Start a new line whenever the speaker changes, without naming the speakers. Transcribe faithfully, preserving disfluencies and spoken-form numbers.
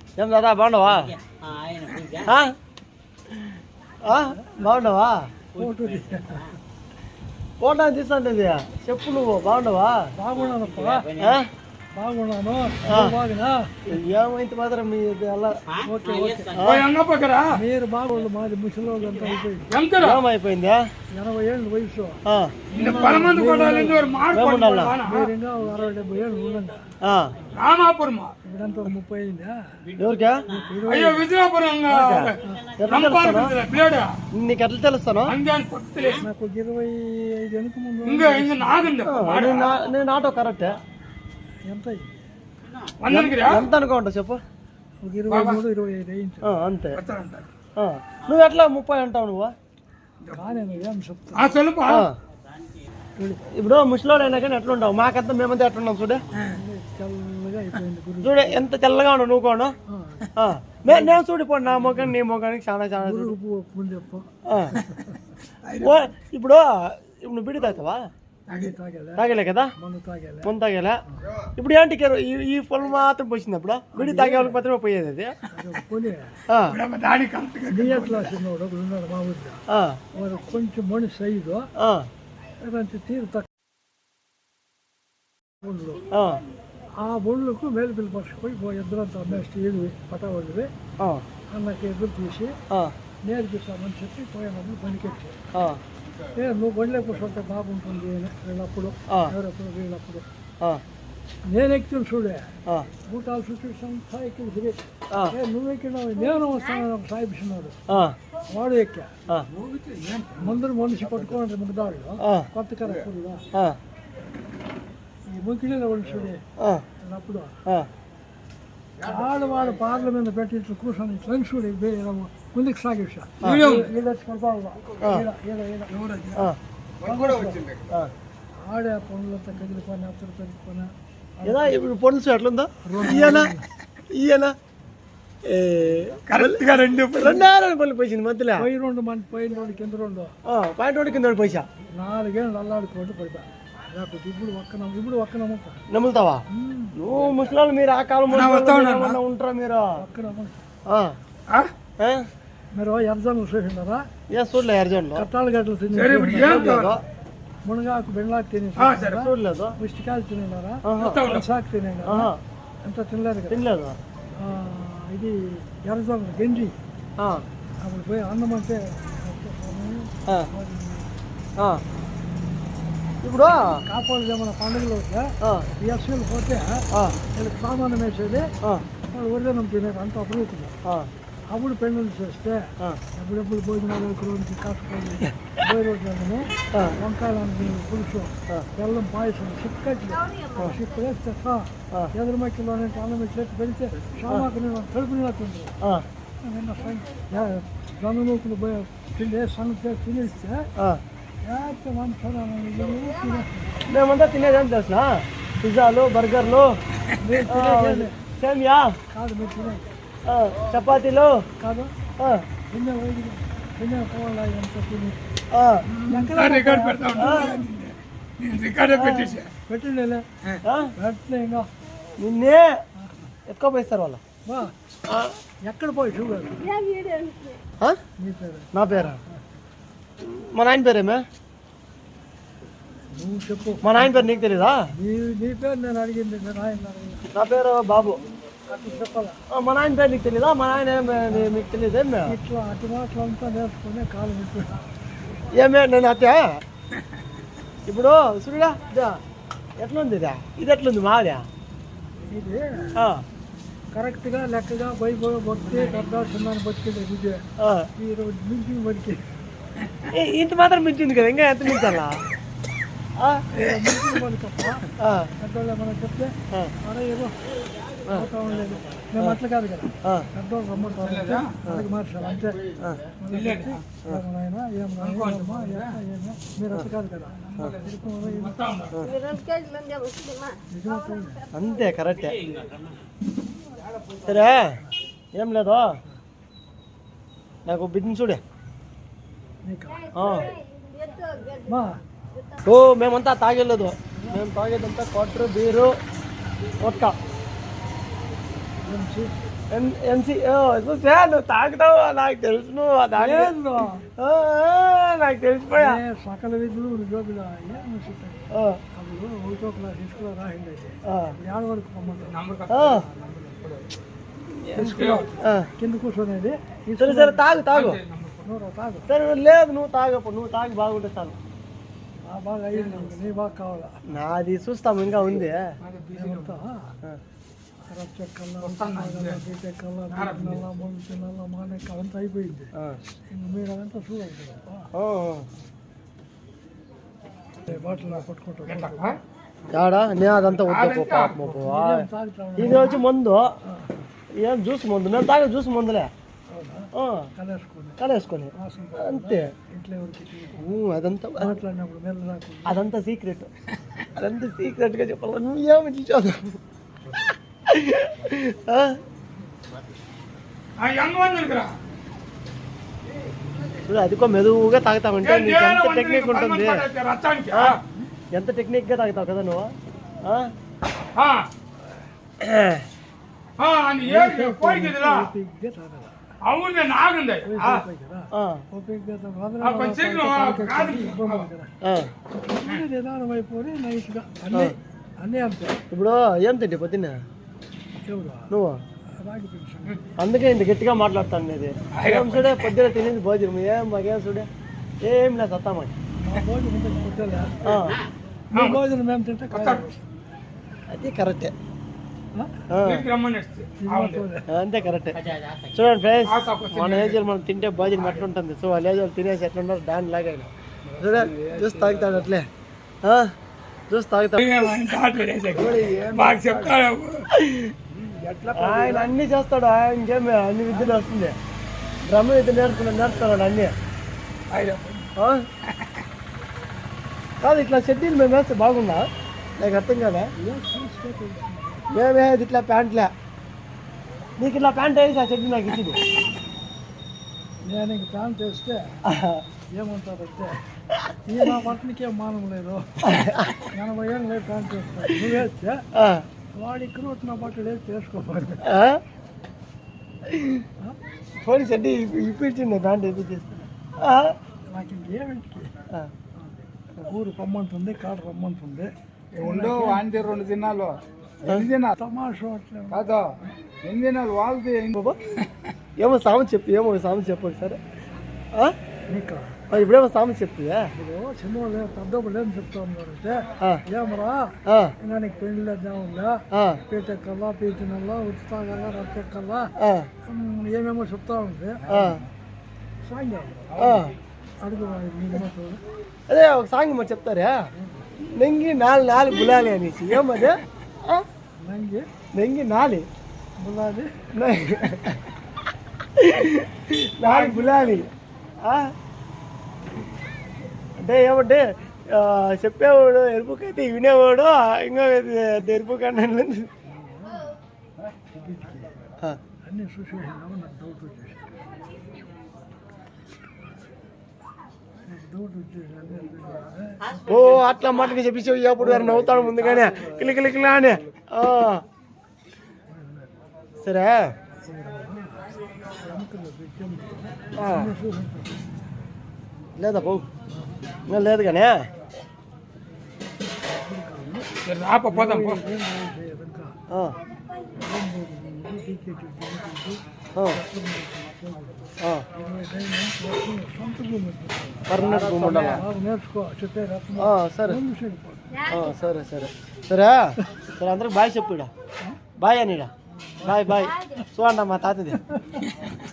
ఏం దాదా బాగున్నావా? బాగున్నావా? ఫోటో తీస్తాంటే చెప్పు, నువ్వు బాగున్నావా?
బాగున్నాను బాగున్నాను
ఏమైంది మాత్రం మీ
మీరు బాగోళ్ళు మాది ముసలి అంతా
ఏమైపోయింది?
ఎనభై ఏళ్ళు వయసు మీరు ఇంకా అరవై డెబ్బై ఏళ్ళు ఉండండి. ఇప్పుడంతా ముప్పై అయిందా?
ఎవరికా? నీకు ఎట్లా తెలుస్తాను?
నాకు ఇరవై ఐదు వెనుక ముందు
నేను ఆటో కరెక్టే.
ఎంత
ఎంత అనుకోండి చెప్పు.
ఇరవై మూడు ఇరవై ఐదు అయింది
అంతే. నువ్వు ఎట్లా ముప్పై అంటావు నువ్వు? ఇప్పుడు ముసలోడు అయినా కానీ ఎట్లా ఉండవు? మాకంతా మేమంతా ఎట్లున్నాం చూడే. చూడే ఎంత తెల్లగా ఉన్నావు నువ్వు కూడా. నేను చూడిపోండి నా మొఖాన్ని నీ మొఖానికి చాలా చాలా. ఇప్పుడు ఇప్పుడు బిడి తాగుతావా? తాగలే కదా, ముందు తాగలే. ఇప్పుడు ఏంటి ఈ పొలం మాత్రం పోసింది. అప్పుడు బిడి తాగే వాళ్ళకి మాత్రమే పోయేది అది.
కొంచెం మనిషి సైజు తీరు తక్కువ. ఆ బొళ్ళకు మేలుపిల్లి పరుచుకొని ఇద్దరంతా అమ్మేస్తే ఏడు పటావాళ్ళవి అన్నకి ఎదురు తీసి నేర్పిస్తామని చెప్పి పోయినప్పుడు పనికెట్టి ఏ నువ్వు బండిలో కూర్చుంటే బాగుంటుంది వీళ్ళప్పుడు ఎవరప్పుడు వీళ్ళప్పుడు నేను ఎక్కిన చూడే బూటాలు చుట్టూ ఎక్కి తిరిగి నువ్వు ఎక్కినావు నేను వస్తాను సాయిపిస్తున్నాడు వాడు ఎక్కా ముందర మనిషి పట్టుకోండి ముగ్గుదాళ్ళు కొత్త కరెక్ట్గా ఈ ముగ్గులే వాళ్ళు చూడే అప్పుడు వాడు వాడు పార్ల మీద పెట్టి ఇట్లా కూర్చొని ఇట్లా చూడే ముందుకు సాగేసా ఆడే పనులంతా కదిలిపోయినా అత్తరు కదిలిపోయినా
ఇప్పుడు పనులు ఎట్లుందా? ఈయన ఈయన కరెక్ట్గా రెండు రెండారు పనులు పోయింది మధ్యలో.
పై రెండు మంది పైన రెండు కింద రెండు
పైన రెండు కింద పోసా
నాలుగేళ్ళు అల్లాడుకోండి పడిపా లేకపోతే ఇప్పుడు ఒక్క ఇప్పుడు ఒక్క నమ్ముతా
నమ్ముతావా నువ్వు? ముసలాళ్ళు మీరు ఆ కాలం ఉంటారా మీరు?
ఒక్క నమ్ముతా మీరు ఎర్జన్లు చూసినారా?
ఏ చూడలే ఎర్జన్లు
కట్టాలు గడ్డలు తిని మునగాకు బెండాకు తిని
చూడలేదు.
పుష్టికాయలు తినేనారా? సాకు తినేనారా? ఎంత తినలేదు
తినలేదు.
ఇది ఎర్రజొన్న గంజి అప్పుడు పోయి అన్నం అంటే
ఇప్పుడు
కాపాడు ఏమైనా పండుగలు వస్తే ఈ అసలు పోతే వీళ్ళకి సామానం వేసేది వాళ్ళు వరిదనం తినేది అంత అభివృద్ధిగా. అప్పుడు పెళ్ళిళ్ళు చేస్తే ఎప్పుడెప్పుడు భోజనాలు రోజుకి కాకపోయి పోయి రోజులను వంకాయలు పులుసు బెల్లం పాయసం చిక్కట్లు చిక్కు వేస్తే ఎదురు మక్కిలోనే అన్నం చేతి పెడితే షామాకు నేను కడుపు నిలతుంది. జొన్న నూకులు పోయి తిండి సంగతి తినేస్తే
మేమంతా తినేదని తెలుసిన పిజ్జాలు బర్గర్లు సేమియా
కాదు మీరు తినేది
చపాతీలు
కాదు తినే తినే పోవాలా ఎంత తిని పెట్టిండే ఇంకా
నిన్నే ఎత్తుకోపోయిస్తారు వాళ్ళు.
ఎక్కడ పోయి షుగర్
నా పేరా? మా నాయన పేరేమే?
నువ్వు చెప్పు.
మా నాయన పేరు నీకు తెలీదా?
నీ పేరు నేను అడిగింది.
నా పేరు బాబు.
అట్లా చెప్పాలా?
మా నాయన పేరు నీకు తెలీదా? మా నాయన మీకు తెలియదు ఏమే?
ఇట్లా అటు మాటలు అంతా నేర్చుకునే కాలం ఇప్పుడు
ఏమే నేను అత్తే ఇప్పుడు చూడా ఎట్లుంది ఇదా? ఇది ఎట్లుంది మాదా?
ఇది కరెక్ట్గా లెక్కగా వైభవ బొట్టి పెద్ద చిన్నాన్ని బతికేది విజయ ఈరోజు మించింగ్ బతికి
ఇంత మాత్రం మించింది కదా, ఇంకా ఎంత మించాలా?
మించింగ్ బతికప్ప పెద్దోళ్ళు ఏమన్నా చెప్తే అరే ఏదో పోతా ఉండలేదు. మేము అట్లా కాదు కదా, పెద్దోళ్ళు రమ్మంటారు అలాగే మార్చాలి అంతే. ఏమన్నా ఏమన్నా మీరు అట్లా కాదు కదా,
అంతే కరెక్టే. సరే ఏం లేదు, నాకు బిజినెస్ చూడే. ఓ మేమంతా తాగలేదు, మేము తాగేదంతా quarter beer vodka.
MC
MC చూసా నువ్వు తాగుతావు నాకు తెలుసు నువ్వు తాగి
ఏందో
నాకు తెలిసిపోయా
ఏ సకల విధులు ఉద్యోగులు ఏం చెప్పారు
ఆ,
అప్పుడు ఒకటో క్లాస్ స్కూల్లో రాసింది
ఆ,
ఏడు వరకు పొమ్మంటారు
ఆ,
స్కూల్లో
ఆ.
కింద కూర్చొనేది ఈ
సరే సరే తాగు తాగు
నూరు తాగు
సరే లేదు నువ్వు తాగప్పుడు నువ్వు తాగి బాగుంటే చాలు
ఆ బాగా అయ్యింది నీ బాగా కావాలా
నాది చూస్తాము ఇంకా ఉంది
ఏమంతా రచ్చక్కల్లా బీటెక్కల్లా తినాలా మందు తినాలా మానెక్క అంతా అయిపోయింది
ఆ,
ఇంక మీరు అదంతా చూడాలి కదా
ఆ.
బాటిల్ పట్టుకుంటాం
యాడా నేను అదంతా వద్దు పాపం
తాగుతాం
ఇది వచ్చి మందు ఏం జ్యూస్ మందు మేము తాగే జ్యూస్ మందులే ఆ,
కలేసుకొని
కలేసుకొని
వాసన
అంతే
ఇంట్లో ఎవరికి
ఊ, అదంతా
మాట్లాడినప్పుడు మెల్ల రాకుండా
అదంతా సీక్రెట్ అదంతా సీక్రెట్గా చెప్పాలి నువ్వు ఏమి చూసావు చూడు అదికో మెదువుగా తాగుతామంటే నీకు ఎంత టెక్నిక్ ఉంటుంది ఆ, ఎంత టెక్నిక్గా తాగుతావు కదా నువ్వు ఆ?
ఓపిగ్గా తాగాల
అవును నాగుంది
ఆ,
ఓపిగ్గా
ఆ,
నిదానం అయిపోయి నైస్గా అన్నీ అన్నీ అంతే
ఇప్పుడు ఏం తిండి పొద్దున్న
ఎవరు
నువ్వు
రాగి పెన్షన్
అందుకే ఇంత గట్టిగా మాట్లాడుతాను ఇది ఏం చూడే పొద్దున తినేది భోజనం ఏం మాకేం చూడే ఏం లేదు సత్తా మాకు
ఆ భోజనం ఇంత పుట్టలే
ఆ,
మీ భోజనం మేము తింటే కాదు
అది కరెక్టే
ఆ?
ఆ,
రమ్మని
సినిమాతోనే.
అంతే కరెక్టే చూడండి ఫ్రెండ్స్ మన ఏజ్ మనం తింటే భోజనం ఎట్లుంటుంది సో వాళ్ళ ఏజ్ వాళ్ళు తినేసి ఎట్లుంటారు దాని లాగా చూడే జ్యూస్ తాగుతాడు అట్లే ఆ, జ్యూస్ తాగుతాడు
మాకు చెప్తారు
ఆయన అన్ని చేస్తాడు ఆయన ఇంకేమి అన్ని విద్యలు వస్తుంది బ్రహ్మ విద్య నేర్చుకున్నాడు నేర్చుకున్నాడు అన్ని ఆ? కాదు ఇట్లా షెడ్యూల్ మేము వేస్తే బాగుందా నాకు అర్థం కదా మేము వేసేది ఇట్లా ప్యాంట్లే నీకు ఇట్లా ప్యాంట్ వేసి ఆ షెడ్యూల్ నాకు ఇచ్చింది
నేను ఇంక ప్యాంట్ వేస్తే ఏమంటారంటే ఈ నా బట్టలకి ఏం మానం లేదు ఎనభై ఏళ్ళు లేదు ప్యాంట్ వేస్తాను నువ్వు వేస్తే
ఆ,
వాడు ఇక్కడ నా బట్టలు వేసి వేసుకోవాలి
ఆ? పోనీ షెడ్యూల్ ఇప్పించింది ప్యాంట్ ఇప్పించేస్తాను
నాకు ఇంకేమిటికి ఊరు పొమ్మంటుంది కాడ రమ్మంటుంది
ఉండు వాంతి రెండు దినాలు ఎన్ని దినాలు
తమాషా అట్లా
కాదు ఎన్ని దినాలు వాళ్ళది
బాబా ఏమో సామెత చెప్పు ఏమో సామెత చెప్పు సరే
నీకు
ఇప్పుడేమో సామెత చెప్తుందా
ఇప్పుడు చిన్నవాళ్ళు పెద్దవాళ్ళు ఏం చెప్తా ఉన్నారంటే
ఆ,
ఏమరా
ఆ,
ఇంకా నీకు పెళ్ళిలో దేవుళ్ళా
ఆ,
పీటెక్కల్లా పీతినల్లా ఉత్తాగల్లా రత్తెక్కల్లా
ఆ,
ఏమేమో చెప్తా ఉంది
ఆ,
సాంగ్
ఆ.
అడుగు నీకు
అదే ఒక సాంగ్ మరి చెప్తారా నెంగి నాలుగు నాలుగు బులాలి అనేసి ఏమదే ఆ?
నంగి
నెంగి నాలి
బులాది
నాలుగు బులాలి ఆ? అంటే ఏమంటే ఆ, చెప్పేవాడు ఎరుపుకైతే వినేవాడు ఇంకో ఎరుపు కన్నా
అన్నీ చూసి నాకు డౌట్ వచ్చేసి నాకు డౌట్ వచ్చేసి అన్నీ
ఓ అట్లా మాటకి చెప్పేసి అప్పుడు గారు నవ్వుతాడు ముందుగానే కిలి కిలి కిలా అని ఆ. సరే ఆ. లేదా పో ఇంకా లేదు కానీ
రాప పోదాం పో.
ఆ, ఆ, ఆ. పర్మనెంట్ రూమ్ ఉండాలా
నేర్చుకో చెప్పే రత్నం
ఆ, సరే ఆ, సరే సరే సరే సరే అందరికి బాయ్ చెప్పు ఇడ బాయ్ అని ఇడ బాయ్ బాయ్ చూడండి మా తాతది